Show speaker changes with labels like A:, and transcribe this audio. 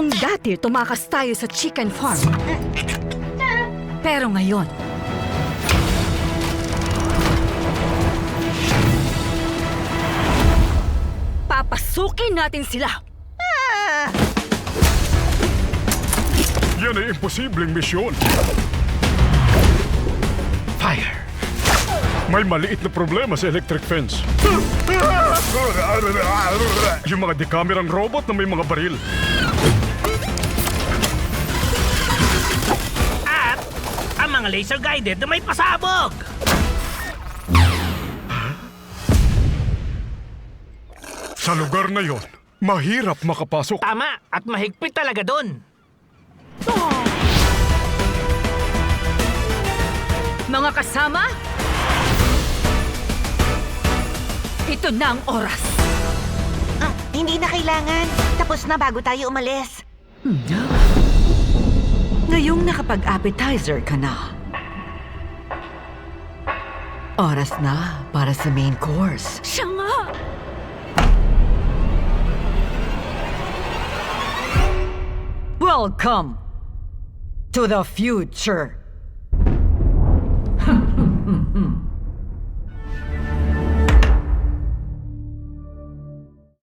A: Kung dati tumakas tayo sa chicken farm, pero ngayon, papasukin natin sila.
B: Yan ay imposibleng misyon.
C: Fire!
B: May maliit na problema sa electric fence. Yung mga dekamerang robot na may mga baril.
C: At ang mga laser-guided na may pasabog!
B: Sa lugar na yon, mahirap makapasok.
C: Tama! At mahigpit talaga dun!
A: Mga kasama, ito na ang oras.
D: Hindi na kailangan. Tapos na bago tayo umalis.
E: Ngayong nakapag-appetizer ka na. Oras na para sa main course.
A: Siya nga!
E: Welcome to the future.